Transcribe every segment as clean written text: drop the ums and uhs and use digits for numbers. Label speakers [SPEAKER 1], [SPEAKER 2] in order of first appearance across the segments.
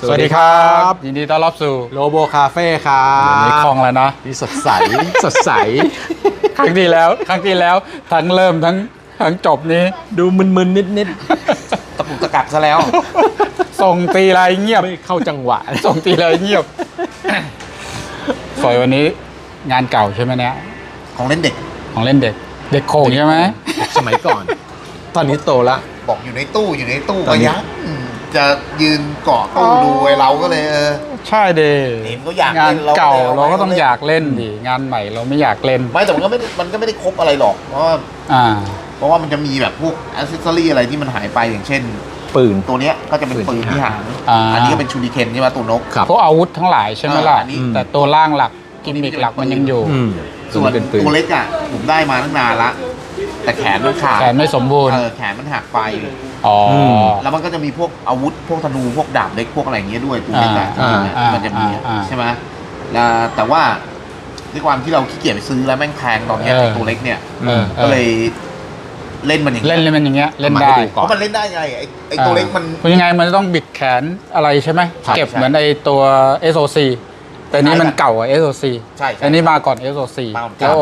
[SPEAKER 1] สวัสดีครับ
[SPEAKER 2] ยินดีต้อนรับสู่
[SPEAKER 1] โลโบคาเฟ่ครั
[SPEAKER 2] วันนี้
[SPEAKER 1] บ
[SPEAKER 2] คล่องแล้วนะ
[SPEAKER 1] ที่สดใส สดใส
[SPEAKER 2] ครั้งที่แล้วทั้งเริ่มทั้งจบนี้
[SPEAKER 1] ดูมึนๆนิด
[SPEAKER 3] ตะปุกตะกักซะแล้ว
[SPEAKER 2] ส่งตีไรเงีย
[SPEAKER 1] ๆ
[SPEAKER 2] บ
[SPEAKER 1] ไม่เข้าจังหวะ
[SPEAKER 2] ส่งตีไรเงียบสวยวันนี้งานเก่าใช่ไหมเนี่ย
[SPEAKER 3] ของเล่นเด็ก
[SPEAKER 2] ของเล่นเด็ก เด็กโขงใช่ไหม
[SPEAKER 1] สมัยก่อน ตอนนี้โตละ
[SPEAKER 3] บอกอยู่ในตู้
[SPEAKER 1] ตอนนี้
[SPEAKER 3] ก็ยังจะยืนเกาะตู้ดูไอ้เราก็เลย
[SPEAKER 2] ใช่เด
[SPEAKER 3] เห็นเขาอยาก
[SPEAKER 2] งาน
[SPEAKER 3] เล่น
[SPEAKER 2] เก่า
[SPEAKER 3] เรา
[SPEAKER 2] เรา
[SPEAKER 3] ก็
[SPEAKER 2] ก็ต้อง
[SPEAKER 3] เล่น
[SPEAKER 2] อยากเล่นดิงานใหม่เราไม่อยากเล่น
[SPEAKER 3] ไม่แต่มันก็ไม่ได้ครบอะไรหรอก เพราะว่า
[SPEAKER 2] อ่า
[SPEAKER 3] มันจะมีแบบพวกอ c เซสซอรี่อะไรที่มันหายไปอย่างเช่น
[SPEAKER 1] ปืน
[SPEAKER 3] ตัวเนี้ยก็จะเป็นปืนที่หาง
[SPEAKER 2] อ่า
[SPEAKER 3] อันนี้ก็เป็นชูริเคนใช่ไหมตัวนก
[SPEAKER 1] ครับ
[SPEAKER 2] พวกอาวุธทั้งหลายใช่ไหมล่ะ
[SPEAKER 3] อันนี้
[SPEAKER 2] แต่ตัวร่างหลักกิมมิกหลักมันยังอยู่
[SPEAKER 1] อืม
[SPEAKER 3] ส่วน
[SPEAKER 1] เป็นปืน
[SPEAKER 3] ตัวเล็กอ่ะผมได้มาตั้งนานละแต่แขนมันขาด
[SPEAKER 2] แขนไม่สมบูรณ์
[SPEAKER 3] แขนมันหักไป
[SPEAKER 2] อ๋อ
[SPEAKER 3] แล้วมันก็จะมีพวกอาวุธพวกธนูพวกดาบเล็กพวกอะไรอย่างเงี้ยด้วยตัวเล็กอะ
[SPEAKER 1] อ่า
[SPEAKER 3] มันจะมี
[SPEAKER 2] อ่า
[SPEAKER 3] ใช่ไหมแล้วแต่ว่าด้วยความที่เราขี้เกียจไปซื้อแล้วแม่งแพงตอนเนี้ย
[SPEAKER 2] เออ
[SPEAKER 3] ไอ้ตัวเล็กเนี่ย
[SPEAKER 2] เออ
[SPEAKER 3] ก็เลยเล่นมันอย่าง
[SPEAKER 2] เล่น
[SPEAKER 3] เงี้ย
[SPEAKER 2] มันอย่างเงี้ยเล่น
[SPEAKER 1] มา
[SPEAKER 2] ได้
[SPEAKER 1] ให้ดูก่
[SPEAKER 3] เพราะมันเล่นได้ไงไอ้ตัวเล็กมัน
[SPEAKER 2] เพราะยังไงมันต้องบิดแขนอะไรใช่ไหม
[SPEAKER 3] ครับ
[SPEAKER 2] เก็บ
[SPEAKER 3] ใช่
[SPEAKER 2] เหมือนไอตัว SOC แต่นี้มันเก่าอ่ะ SOC
[SPEAKER 3] ใช่
[SPEAKER 2] อันนี้มาก่อน SOC
[SPEAKER 3] มาก่อน
[SPEAKER 2] แล้ว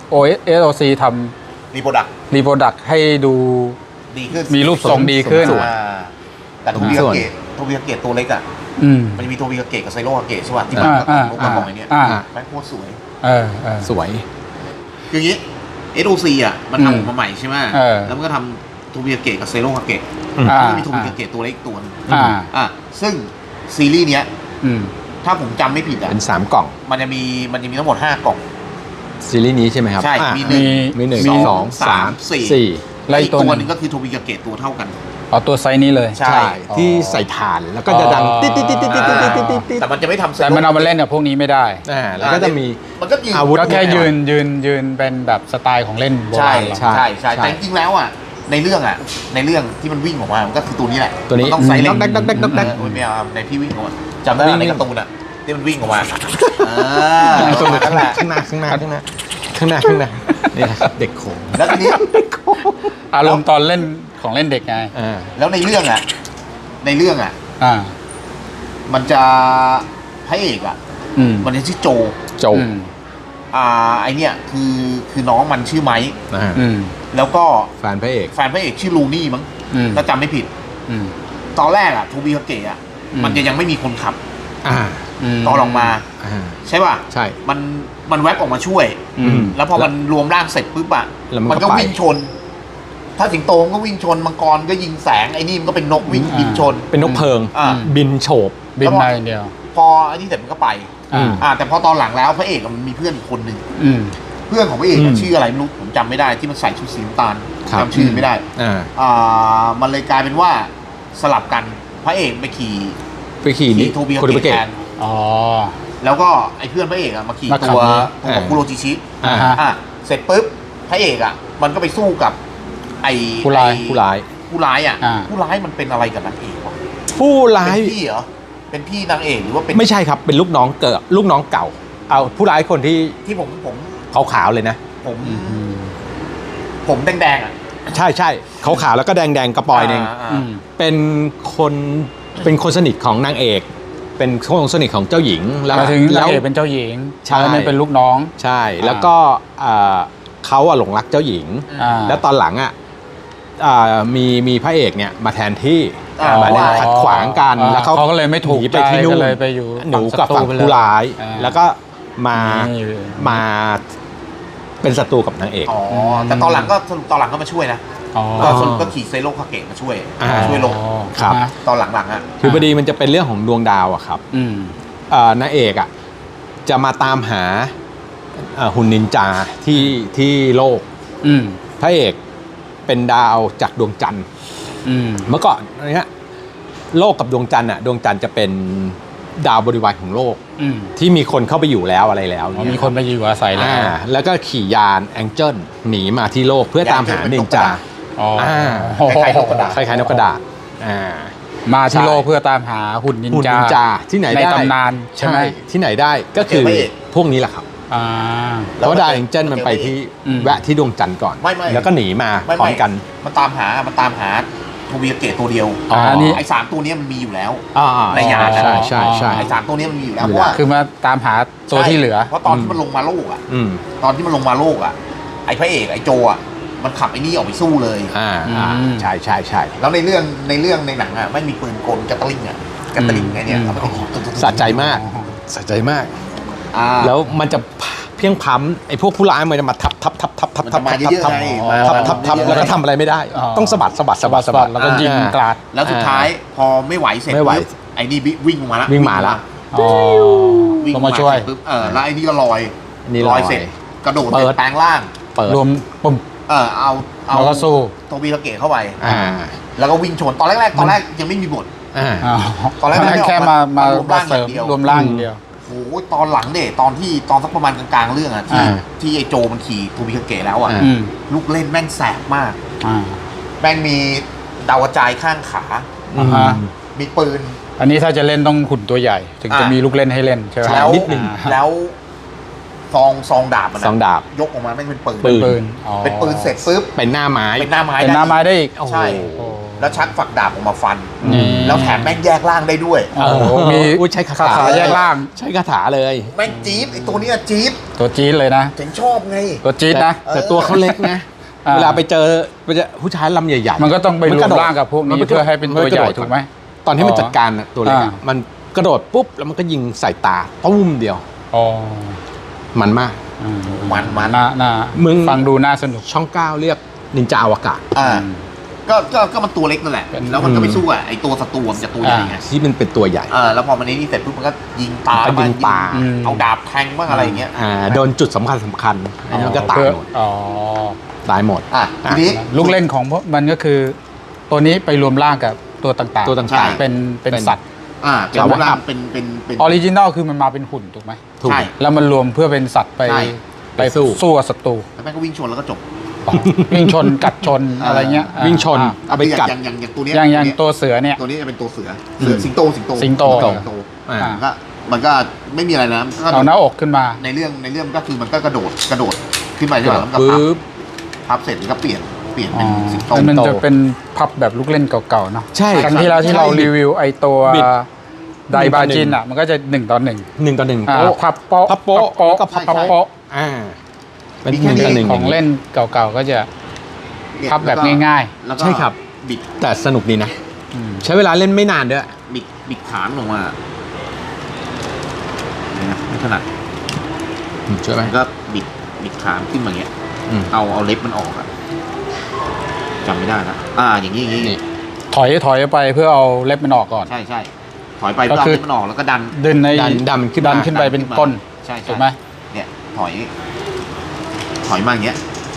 [SPEAKER 2] SOC ท
[SPEAKER 3] รีโปรดัก
[SPEAKER 2] ำรีโปรดักให้ดู
[SPEAKER 3] ดีขึ้น
[SPEAKER 2] มีรูปทรงดีขึ้น
[SPEAKER 1] สวย
[SPEAKER 3] แต่โทบิ
[SPEAKER 1] ส่
[SPEAKER 3] กา
[SPEAKER 1] วน
[SPEAKER 3] เกะตัวเล็กอ่ะ
[SPEAKER 2] อืม
[SPEAKER 3] มันจะมีโทบิกาเกะกับไซโรกาเกะใช่ป่ะที่มัน
[SPEAKER 2] อ่า
[SPEAKER 3] กระบอกไอ้เนี่ย
[SPEAKER 2] อ่า
[SPEAKER 3] แม่งโคตรสวย
[SPEAKER 2] เออ
[SPEAKER 1] สวย
[SPEAKER 3] คืออย่างงี้ SOC อ่ะมัน
[SPEAKER 2] อืม
[SPEAKER 3] ทำออกมาใหม่ใช่ไหม
[SPEAKER 2] เออ
[SPEAKER 3] แล้วมันก็ทำโทบิกาเกะกับไซโรกาเกะ
[SPEAKER 2] อ่า
[SPEAKER 3] แล้วก็มีโทบิกาเกะตัวเล็กตัวนึง
[SPEAKER 2] อ่า
[SPEAKER 3] ซึ่งซีรีส์เนี้ย
[SPEAKER 2] อืม
[SPEAKER 3] ถ้าผมจำไม่ผิดอ่ะ
[SPEAKER 1] เป็น3กล่อง
[SPEAKER 3] มันจะมีทั้งหมด5กล่อง
[SPEAKER 1] ซีรีส์นี้ใช่ไหมครับ
[SPEAKER 3] ใช่
[SPEAKER 1] อ่ะ
[SPEAKER 3] มีหนึ่ง
[SPEAKER 1] มีหนึ่ง
[SPEAKER 2] มี
[SPEAKER 1] สองสาม
[SPEAKER 3] สี่
[SPEAKER 1] สี่
[SPEAKER 2] แล้วอี
[SPEAKER 3] อี
[SPEAKER 2] ก
[SPEAKER 3] ก
[SPEAKER 2] ตั
[SPEAKER 3] ตัว ว
[SPEAKER 2] ห
[SPEAKER 3] ห
[SPEAKER 2] นึ
[SPEAKER 3] นึ
[SPEAKER 2] ง
[SPEAKER 3] งก็คือโทบิกาเกะตัวเท่ากัน
[SPEAKER 2] อ๋อตัวไซส์นี้เลย
[SPEAKER 3] ใช่
[SPEAKER 1] ใช่ ที่ใส่ถ่านแล้วก็จะดัง
[SPEAKER 2] อ๋อ
[SPEAKER 1] ติ๊ดติ๊ดติ๊ดติ๊ดติ๊ดติ๊ดติ๊ดติ๊ดติ๊ด
[SPEAKER 3] แต่มันจะไม่ทำ
[SPEAKER 2] แต่มันเอามาเล่นกับพวกนี้ไม่ได้
[SPEAKER 1] แล้วก็จะมี
[SPEAKER 3] มันก็ยืน
[SPEAKER 1] อาวุธ
[SPEAKER 2] ก็แค่ยืนเป็นแบบสไตล์ของเล่นโบ
[SPEAKER 3] ใช่
[SPEAKER 2] ราณเรา
[SPEAKER 1] ใช่
[SPEAKER 3] ใช่แต่จริงๆแล้วอ่ะในเรื่องที่มันวิ่งออกมามันก็คือตัวนี้แหละ
[SPEAKER 1] ตัวนี้
[SPEAKER 3] มัต้องไซส์เล็ก
[SPEAKER 1] ดักดักดักดักดัก
[SPEAKER 3] ไม่เอาในที่วิ่งออกมาจำได้
[SPEAKER 1] วิ่ง
[SPEAKER 3] ในการ์ตูนอ่ะที่มันวิ่งออกมา
[SPEAKER 1] ตัว
[SPEAKER 3] นั่นแหละ
[SPEAKER 1] ข้างหน้านี่แหละครับเด็กโขง
[SPEAKER 3] แล้วทีนี้
[SPEAKER 2] อารมณ์ตอนเล่นของเล่นเด็กไง
[SPEAKER 3] แล้วในเรื่องอ่ะ
[SPEAKER 2] อ่า
[SPEAKER 3] มันจะพระเอกอ่ะ
[SPEAKER 2] อืม
[SPEAKER 3] มันจะชื่อโจ
[SPEAKER 1] โจ
[SPEAKER 2] อืม
[SPEAKER 3] ไอเนี่ยคือน้องมันชื่อไมค์
[SPEAKER 2] อืม
[SPEAKER 3] แล้วก็
[SPEAKER 1] แฟนพระเอก
[SPEAKER 3] แฟนพระเอกชื่อลูนี่มั้ง
[SPEAKER 2] อืม
[SPEAKER 3] ถ้าจำไม่ผิด
[SPEAKER 2] อืม
[SPEAKER 3] ตอนแรกอะทูบิคาเกะอะ
[SPEAKER 2] อืม
[SPEAKER 3] มันจะยังไม่มีคนขับ
[SPEAKER 1] อ่า
[SPEAKER 3] ตอนออกมา ใช่ป่ะ
[SPEAKER 1] ใช่
[SPEAKER 3] มันแวบออกมาช่วย
[SPEAKER 2] อืม
[SPEAKER 3] แล้วพอมันรวมร่างเสร็จปุ๊บอะ
[SPEAKER 1] แล้วมันก็
[SPEAKER 3] ก็
[SPEAKER 1] ไป
[SPEAKER 3] วิ่งชน ถ้าสิงโตมันก็วิ่งชนมังกรก็ยิงแสงไอ้นี่มันก็เป็นนกวิ่งบินชน
[SPEAKER 1] เป็นนกเพลิง
[SPEAKER 3] อ่า
[SPEAKER 1] บินโฉบ
[SPEAKER 2] บินได้อย่างเดียว
[SPEAKER 3] พอไอ้นี่เสร็จมันก็ไป
[SPEAKER 2] อืม
[SPEAKER 3] แต่พอตอนหลังแล้วพระเอกมันมีเพื่อนอีกคนหนึ่ง
[SPEAKER 2] อืม
[SPEAKER 3] เพื่อนของพระเอกอะ
[SPEAKER 1] อืม
[SPEAKER 3] ชื่ออะไรไม่รู้ผมจำไม่ได้ที่มันใส่ชุดสีน้ำตาล
[SPEAKER 1] ครับ
[SPEAKER 3] จำชื่อไม่ได้
[SPEAKER 1] อ่า
[SPEAKER 3] มันเลยกลายเป็นว่าสลับกันพระเอกไปขี่
[SPEAKER 1] ไปขี่นี่
[SPEAKER 3] โทบิ
[SPEAKER 1] โคดิ
[SPEAKER 3] คา
[SPEAKER 1] บะ
[SPEAKER 3] เกะ
[SPEAKER 1] เกะ
[SPEAKER 3] แทน
[SPEAKER 2] อ๋อ
[SPEAKER 3] แล้วก็ไอ้เพื่อนพระเอกอะมาขี่
[SPEAKER 2] มาขับ
[SPEAKER 3] ตัว
[SPEAKER 2] นี้
[SPEAKER 3] ของคุโรจิชิ
[SPEAKER 1] อ่า
[SPEAKER 3] เสร็จปุ๊บพระเอกอะมันก็ไปสู้กับไอ้
[SPEAKER 2] ผู้ร้าย
[SPEAKER 1] ผู้ร้าย
[SPEAKER 3] ผู้ร้ายอะ
[SPEAKER 2] อ่า
[SPEAKER 3] ผู้ร้ายมันเป็นอะไรกับนางเอกวะ
[SPEAKER 1] ผู้ร้าย
[SPEAKER 3] เป็นพี่เหรอเป็นพี่นางเอกหรือว่าเป็น
[SPEAKER 1] ไม่ใช่ครับเป็นลูกน้องเกิดลูกน้องเก่า เอาผู้ร้ายคนที่
[SPEAKER 3] ที่ผม
[SPEAKER 1] ขาวๆเลยนะ
[SPEAKER 3] ผมแดงๆอะ
[SPEAKER 1] ใช่ใช่ขาวๆแล้วก็แดงๆกระปอยเอง
[SPEAKER 2] อืม
[SPEAKER 1] เป็นคนสนิทของนางเอก เป็นคนสนิทของเจ้าหญิงแล้ว
[SPEAKER 2] หมายถึง
[SPEAKER 1] แล้
[SPEAKER 2] นายว เอกเป็นเจ้าหญิง
[SPEAKER 1] ใช่
[SPEAKER 2] แล้วนี่เป็นลูกน้อง
[SPEAKER 1] ใช่ แล้วก็เขาอะหลงรักเจ้าหญิง
[SPEAKER 2] อ่า
[SPEAKER 1] แล้วตอนหลังอะมีพระเอกเนี่ยมาแทนที่ มา
[SPEAKER 3] ว่า
[SPEAKER 1] ขัดขวางกัน
[SPEAKER 2] อ่า
[SPEAKER 1] แล้ว
[SPEAKER 2] เขาก็เลยไม่ถูก
[SPEAKER 1] หนีไปที่นู่น
[SPEAKER 2] ใจก็เลยไปอยู่
[SPEAKER 1] หนูกับ
[SPEAKER 2] ฝั่
[SPEAKER 1] ฝั่
[SPEAKER 2] ง
[SPEAKER 1] ง
[SPEAKER 2] ศัตรูไปเลย
[SPEAKER 1] ผู้ร้าย
[SPEAKER 2] อ่า
[SPEAKER 1] แล้วก็มา
[SPEAKER 2] นี่
[SPEAKER 1] มาเป็นศัตรูกับนางเอก
[SPEAKER 3] อ๋อแต่ตอนหลังก็สรุปตอนหลังก็มาช่วยนะ
[SPEAKER 2] อ๋อ
[SPEAKER 3] ก็สรุปก็ขี่ไซโรคาเกะมาช่วยลง
[SPEAKER 1] ครับ
[SPEAKER 2] นะ
[SPEAKER 3] ตอนหลังๆอะ
[SPEAKER 1] คือพอดีมันจะเป็นเรื่องของดวงดาวอะครับ
[SPEAKER 2] อืม
[SPEAKER 1] นางเอกอะจะมาตามหาหุ่นนินจาที่โลก
[SPEAKER 2] อืม
[SPEAKER 1] พระเอกเป็นดาวจากดวงจันทร์
[SPEAKER 2] อืม
[SPEAKER 1] เมื่อก่อนนะฮะโลกกับดวงจันทร์อะดวงจันทร์จะเป็นดาวบริวารของโลก
[SPEAKER 2] อืม
[SPEAKER 1] ที่มีคนเข้าไปอยู่แล้วอะไรแล้ว
[SPEAKER 2] อ๋อมีคนไปอยู่อาศัยแล้ว
[SPEAKER 1] แล้วก็ขี่ยานแองเจิลหนีมาที่โลกเพื่อตามหานินจา
[SPEAKER 2] อ๋อ
[SPEAKER 3] คล้ายๆนกกระดาษ
[SPEAKER 1] คล้ายๆนกกระดาษอ่า
[SPEAKER 2] มาที่
[SPEAKER 1] ใช่
[SPEAKER 2] โลกเพื่อตามหาหุ่นนิน
[SPEAKER 1] หุ่น
[SPEAKER 2] จา
[SPEAKER 1] นินจาที่ไหน
[SPEAKER 2] ใน
[SPEAKER 1] ได้
[SPEAKER 2] ตำนานใช่ไหม
[SPEAKER 1] ที่ไหนได้ก็คือ
[SPEAKER 3] เจอพระเอก
[SPEAKER 1] พวกนี้แหละครับ
[SPEAKER 2] อ่า
[SPEAKER 1] เพราะว่าดาวแองเจิลมันไปที่
[SPEAKER 2] อืม
[SPEAKER 1] แวะที่ดวงจันทร์ก่อน
[SPEAKER 3] ไม่
[SPEAKER 1] แล้วก็หนีมาพร้อมกัน
[SPEAKER 3] มันตามหาโทมิยาเกะตัวเดียว
[SPEAKER 1] อ๋ออั
[SPEAKER 2] นนี้
[SPEAKER 3] ไอ้3ตัวเนี้ยมันมีอยู่แล้ว
[SPEAKER 1] อ่า
[SPEAKER 3] ในยาน
[SPEAKER 1] ใช่ใช่ใช่
[SPEAKER 3] ไอ้3ตัวเนี้ยมันมีอยู่แล้ว
[SPEAKER 1] อยู่
[SPEAKER 3] เพราะว่า
[SPEAKER 2] คือมาตามหาตัวที่เหลือ
[SPEAKER 3] เพราะตอนที่มันลงมาโลกอ่ะ
[SPEAKER 1] อืม
[SPEAKER 3] ตอนที่มันลงมาโลกอ่ะไอ้พระเอกไอ้โจอ่ะมันขับไอ้นี่ออกไปสู้เลย
[SPEAKER 1] อ่า
[SPEAKER 2] อืม
[SPEAKER 1] ใช่ใช่ใช่
[SPEAKER 3] แล้วในเรื่องในหนังอ่ะไม่มีปืนกลกัตเตอร์ลิงอ่ะกัตเตอร์ลิงไงเนี่ยเอาไปยิง
[SPEAKER 1] สะใจมากสะใจมาก
[SPEAKER 3] อ่า
[SPEAKER 1] แล้วมันจะเพียงพำไอ้พวกผู้ร้ายมันจะมาทับ
[SPEAKER 3] มันจะมาเยอะๆไงมา
[SPEAKER 1] ทับแล้วก็ทำอะไรไม่ได้
[SPEAKER 2] อ๋อ
[SPEAKER 1] ต้องสะบัด
[SPEAKER 2] แล้วก็ยิงกราด
[SPEAKER 3] แล้วสุดท้ายพอไม่ไหวเสร็จ
[SPEAKER 1] ไม่ไหว
[SPEAKER 3] ปุ๊บไอ้นี่วิ่งมาละ
[SPEAKER 1] วิ่งมาละ
[SPEAKER 2] อ๋อ
[SPEAKER 3] วิ่ง
[SPEAKER 2] ลงมาช่วย
[SPEAKER 3] เสร็จปุ๊บแล้วไอ้นี่ก็ลอย
[SPEAKER 1] นี่ลอย
[SPEAKER 3] เสร็จกระโดด
[SPEAKER 1] เปิ
[SPEAKER 3] เสร็
[SPEAKER 1] ด
[SPEAKER 3] จแปลงร่าง
[SPEAKER 1] เปิด
[SPEAKER 2] รวมปุ่ม
[SPEAKER 3] เอา
[SPEAKER 2] แล้วก็สู้
[SPEAKER 3] โทมิยาเกะเข้าไป
[SPEAKER 1] อ่า
[SPEAKER 3] แล้วก็วิ่งชนตอนแรกยังไม่มีบท
[SPEAKER 1] อ่า
[SPEAKER 2] อ๋อ
[SPEAKER 3] ตอนแรกไม่ออก
[SPEAKER 2] แค่มามาร
[SPEAKER 3] วมร่าง
[SPEAKER 2] เสริม
[SPEAKER 3] อย่างเดียว
[SPEAKER 2] รวมร่างอย่างเดียว
[SPEAKER 3] โอ้โหตอนหลังเด็ตอนสักประมาณกลางๆเรื่องอะที่
[SPEAKER 1] อ่า
[SPEAKER 3] ที่ไอ้โจมันขี่โทมิยาเกะแล้วอะ
[SPEAKER 1] อ่า
[SPEAKER 2] อืม
[SPEAKER 3] ลูกเล่นแม่งแสบมาก
[SPEAKER 2] อ่า
[SPEAKER 3] แม่งมีดาวกระจายข้างขา
[SPEAKER 2] อ่าฮะ
[SPEAKER 3] มีปืน
[SPEAKER 2] อันนี้ถ้าจะเล่นต้องหุ่นตัวใหญ่ ถึงจะมีลูกเล่นให้เล่นใช่ไหม
[SPEAKER 3] แล้ว
[SPEAKER 1] นิดนึง
[SPEAKER 3] แล้วซองดาบมัน
[SPEAKER 1] ซองดาบ
[SPEAKER 3] ยกออกมาแม่งเป็นปืน
[SPEAKER 1] ปื
[SPEAKER 2] ปืนอ๋อ
[SPEAKER 3] เป็นปืนเสร็จปุ๊บ
[SPEAKER 1] เป็นหน้าไม้
[SPEAKER 3] เป็นหน้าไม้
[SPEAKER 2] เป็นหน้าไม้ได้อีก
[SPEAKER 1] โอ้โห
[SPEAKER 3] ใช่ แล้วชักฝักดาบออกมาฟัน
[SPEAKER 2] อืม
[SPEAKER 3] แล้วแถมแม่งแยกร่างได้ด้วย
[SPEAKER 2] โอ้โหมี
[SPEAKER 1] อุ๊ยใช้คา
[SPEAKER 2] คา
[SPEAKER 1] ถา
[SPEAKER 2] ถาแยกร่าง
[SPEAKER 1] ใช้คาถาเลย
[SPEAKER 3] แม่งจี๊ดไอ้ตัวเนี้ยจี๊ด
[SPEAKER 2] ตัวจี๊ดเลยนะ
[SPEAKER 3] เจ๋งชอบไง
[SPEAKER 2] ตัวจี๊ดนะ
[SPEAKER 1] แต่ตัวเขาเล็กนะ
[SPEAKER 2] อ่า
[SPEAKER 1] เวลาไปเจอผู้ชายลำใหญ่ๆ
[SPEAKER 2] มันก็ต้องไปรว
[SPEAKER 1] ก
[SPEAKER 2] ม
[SPEAKER 1] โดด
[SPEAKER 2] ร่างกับพวกนี้
[SPEAKER 1] มั
[SPEAKER 2] เพื่อให้เป็นตัวใหญ่
[SPEAKER 1] กระโดด
[SPEAKER 2] ถูกไหม
[SPEAKER 1] ตอนที่มัน
[SPEAKER 2] อ๋อ
[SPEAKER 1] จัดการน่ะตัวเล็กอะ
[SPEAKER 2] อ่า
[SPEAKER 1] มันกระโดดปุ๊บแล้วมันก็ยิงใส่ตาตุ้มเดียว
[SPEAKER 2] อ๋อ
[SPEAKER 1] มันมาก
[SPEAKER 2] อืม
[SPEAKER 3] มัน
[SPEAKER 2] น่า
[SPEAKER 1] มึง
[SPEAKER 2] ฟังดูน่าสนุก
[SPEAKER 1] ช่อง 9 เรียกนินจาอวกาศ
[SPEAKER 3] อ่าก็มันตัวเล็กนั่นแหละ
[SPEAKER 2] เป็น
[SPEAKER 3] แล้วมันก็ไม่สู้อ่ะไอ้ตัวศัตรูมันจะตัวใหญ่ไง
[SPEAKER 1] ที่มันเป็นตัวใหญ่
[SPEAKER 3] แล้วพอมันนี้เสร็จปุ๊บมันก็ยิงตา
[SPEAKER 1] ก็ยิงตา
[SPEAKER 2] อืม
[SPEAKER 3] เอาดาบแทงบ้างอะไรอย่างเงี้ย
[SPEAKER 1] โดนจุดสำคัญอันนี้มันก็ตายหมด
[SPEAKER 2] อ๋อ
[SPEAKER 1] ตายหมด
[SPEAKER 3] ทีนี้
[SPEAKER 2] ลูกเล่นของพวกมันก็คือ ตัวนี้ไปรวมร่างกับตัวต่างๆ
[SPEAKER 1] ตัวต่างๆ
[SPEAKER 3] ใช่
[SPEAKER 2] เป็นสัตว์
[SPEAKER 3] เป็นรูปร่างเป็น
[SPEAKER 2] ออริจินอลคือมันมาเป็นหุ่นถูกไหม
[SPEAKER 1] ถูก
[SPEAKER 3] ใช่
[SPEAKER 2] แล้วมันรวมเพื่อเป็นสัตว์ไป
[SPEAKER 3] ใช่
[SPEAKER 2] ไป
[SPEAKER 1] สู้
[SPEAKER 2] สู้กับศัตรู
[SPEAKER 3] แล้วแม่งก็วิ่งชนแล้วก็จบ
[SPEAKER 2] อ๋อวิ่งชนกัดชนอะไรเงี้ย
[SPEAKER 1] วิ่งชน
[SPEAKER 2] อ่า
[SPEAKER 1] เอาไปกัด
[SPEAKER 3] อย่างตัวเนี้ย
[SPEAKER 2] อย่างตัวเสือเนี่ย
[SPEAKER 3] ตัวนี้จะเป็นตัวเสือ
[SPEAKER 1] อืม
[SPEAKER 3] สิงโต
[SPEAKER 2] สิงโต
[SPEAKER 1] อ่า
[SPEAKER 3] มันก็ไม่มีอะไรนะก็
[SPEAKER 2] เอาหน้าอกขึ้นมา
[SPEAKER 3] ในเรื่องก็คือมันก็กระโดดขึ้นไปใช่ไหมแล้วมันก็
[SPEAKER 1] ปึ๊บ
[SPEAKER 3] พับเสร็จมันก็เปลี่ยนเป็นสิงโต
[SPEAKER 2] มันจะเป็นพับแบบลูกเล่นเก่าๆเนาะ
[SPEAKER 1] ใช่
[SPEAKER 2] ครั้งที่แล้วที่เรารีวิวไอตัว
[SPEAKER 1] บิด
[SPEAKER 2] ไดบาจินอ่ะมันก็จะ1 ต่อ 1
[SPEAKER 1] 1 ต่อ 1
[SPEAKER 2] อ่า
[SPEAKER 1] โป๊ะ
[SPEAKER 2] พับโป๊ะ
[SPEAKER 1] พับโป๊ะแล้วก็พับ
[SPEAKER 2] โป๊ะ
[SPEAKER 1] อ่าเป็น
[SPEAKER 3] มี
[SPEAKER 1] ห
[SPEAKER 3] แค่
[SPEAKER 1] นึ่ง
[SPEAKER 3] นี้
[SPEAKER 1] ต่อหนึ่ง
[SPEAKER 2] ของเล่นเก่าๆก็จะ
[SPEAKER 3] เนี่ย
[SPEAKER 2] พับแบบ
[SPEAKER 3] ล้วก็
[SPEAKER 2] ง่าย
[SPEAKER 3] แล้วก็
[SPEAKER 1] ใช่ครับ
[SPEAKER 3] บิด
[SPEAKER 1] แต่สนุกดีนะ
[SPEAKER 2] ๆอืม
[SPEAKER 1] ใช้เวลาเล่นไม่นานด้วย
[SPEAKER 3] บิดขานลงมาเนี่ยไม่ถนัด
[SPEAKER 1] ช่วยไหม
[SPEAKER 3] มันก็บิดขานขึ้นมาอย่างเงี้ย
[SPEAKER 1] อืม
[SPEAKER 3] เอาเล็บมันออกอะจำไม่ได้ละอย่างนี้
[SPEAKER 1] นี่
[SPEAKER 2] ถอยไปเพื่อเอาเล็บมันออกก่อน
[SPEAKER 3] ใช่ถอยไป
[SPEAKER 2] ก็
[SPEAKER 3] เพื่อเอา
[SPEAKER 2] คือ
[SPEAKER 3] เล็บมันออกแล้วก็ดัน
[SPEAKER 2] ดึงใน
[SPEAKER 1] ดันมันขึ้น
[SPEAKER 2] ดัน
[SPEAKER 1] มา
[SPEAKER 2] ขึ้นไปเป็นก้น
[SPEAKER 3] ใช่
[SPEAKER 2] ถูกไหม
[SPEAKER 3] เนี่ยถอยมาอย่างเงี้ย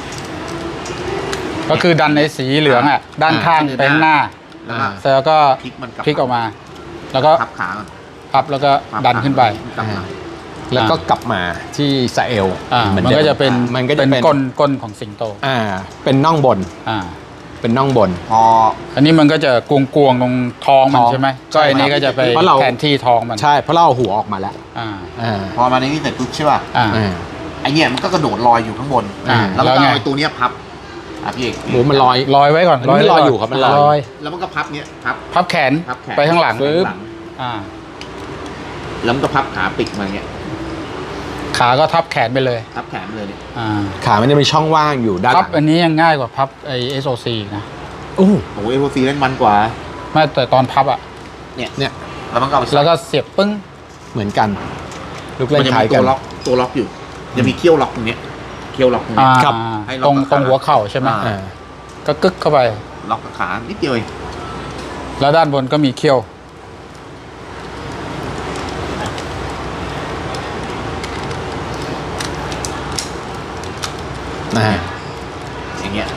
[SPEAKER 2] ก็คือดันในสีเหลืองอ่ะด้านข้างไปข้างหน้า
[SPEAKER 3] แล้วก็
[SPEAKER 2] เสร็จแล้วก็
[SPEAKER 3] พลิกมันกลับ
[SPEAKER 2] พลิกออกมา แล้วก็
[SPEAKER 3] พับขาก่อน
[SPEAKER 2] พับแล้วก็ดันขึ้นไป
[SPEAKER 3] กลับมา
[SPEAKER 1] แล้วก็กลับมาที่สะเอล
[SPEAKER 2] มัน
[SPEAKER 1] หดิ
[SPEAKER 2] ก็จะเป็น
[SPEAKER 1] มันก็จะ
[SPEAKER 2] เป็น
[SPEAKER 1] เป็น
[SPEAKER 2] ก้นของสิงโต
[SPEAKER 1] เป็นน่องบน
[SPEAKER 2] อ่า
[SPEAKER 1] เป็นน่องบน
[SPEAKER 3] พอ
[SPEAKER 2] อันนี้มันก็จะกวงๆตรงท้องมัน
[SPEAKER 1] ท้อง
[SPEAKER 2] ใช่ไหม
[SPEAKER 1] ใช่
[SPEAKER 2] ก็อันนี้ก็จะไป
[SPEAKER 1] เพราะเรา
[SPEAKER 2] แทนที่ท้องมัน
[SPEAKER 1] ใช่เพราะเราเอาหัวออกมาแล้ว
[SPEAKER 2] อ่า
[SPEAKER 3] พอมาในนี้เสร็จปุ๊บใช่ป่ะ
[SPEAKER 2] อ่า
[SPEAKER 3] ไอเนี่ยมันก็กระโดดลอยอยู่ข้างบน
[SPEAKER 2] อ่า
[SPEAKER 3] แล้วก็
[SPEAKER 2] แล้วไง
[SPEAKER 3] เอาไอ้ตัวเนี้ยพับพี่เอก
[SPEAKER 1] หมูมันลอย
[SPEAKER 2] ลอยไว้ก่อน
[SPEAKER 1] มันไม่ลอยอยู่ครับมันลอย
[SPEAKER 3] แล้วมันก็พับเนี้ยพับ
[SPEAKER 2] พับแขน
[SPEAKER 3] พับแขน
[SPEAKER 2] ไปข้างหลัง
[SPEAKER 1] ปึ๊บ
[SPEAKER 3] หลัง
[SPEAKER 2] อ่า
[SPEAKER 3] แล้วมันก็พับขาปิดมาอย่างเงี้ย
[SPEAKER 2] ขาก็ทับแขนไปเลย
[SPEAKER 3] พับแขนเลยเนี่ย
[SPEAKER 2] อ่า
[SPEAKER 1] ขามันจะมีช่องว่างอยู่ด้านห
[SPEAKER 2] พับ
[SPEAKER 1] ลัง
[SPEAKER 2] อันนี้ยังง่ายกว่าพับไอ SOC นะ
[SPEAKER 1] โอ้
[SPEAKER 3] โอ้โหเอโซีเล่นมันกว่า
[SPEAKER 2] ไม่แต่ตอนพับอ่ะ
[SPEAKER 1] เนี่ย
[SPEAKER 3] แล้วมันก็เอาไปใส่
[SPEAKER 2] แล้วก็เสียบปึ้ง
[SPEAKER 1] เหมือนกัน ลูกเล่
[SPEAKER 3] มัน นจะ
[SPEAKER 1] คล้าย
[SPEAKER 3] มี
[SPEAKER 1] กั
[SPEAKER 3] ตัวน ล็อกอยู่จะมีเขี้ยวล็อกตรงเนี้ยเขี้ยวล็อกตรงเนี้ย
[SPEAKER 1] ครับ
[SPEAKER 3] ให้ล็
[SPEAKER 2] ต
[SPEAKER 3] อ
[SPEAKER 2] ร
[SPEAKER 3] ก
[SPEAKER 2] ง
[SPEAKER 3] กับ
[SPEAKER 2] ตรง
[SPEAKER 3] ขา
[SPEAKER 2] หัวเข่าใช่ไหม
[SPEAKER 3] อ่า
[SPEAKER 2] ก็กึกเข้าไป
[SPEAKER 3] ล็อกกับขานิดเดียวเอง
[SPEAKER 2] แล้วด้านบนก็มีเขี้ยว
[SPEAKER 3] อย่างเงี้ย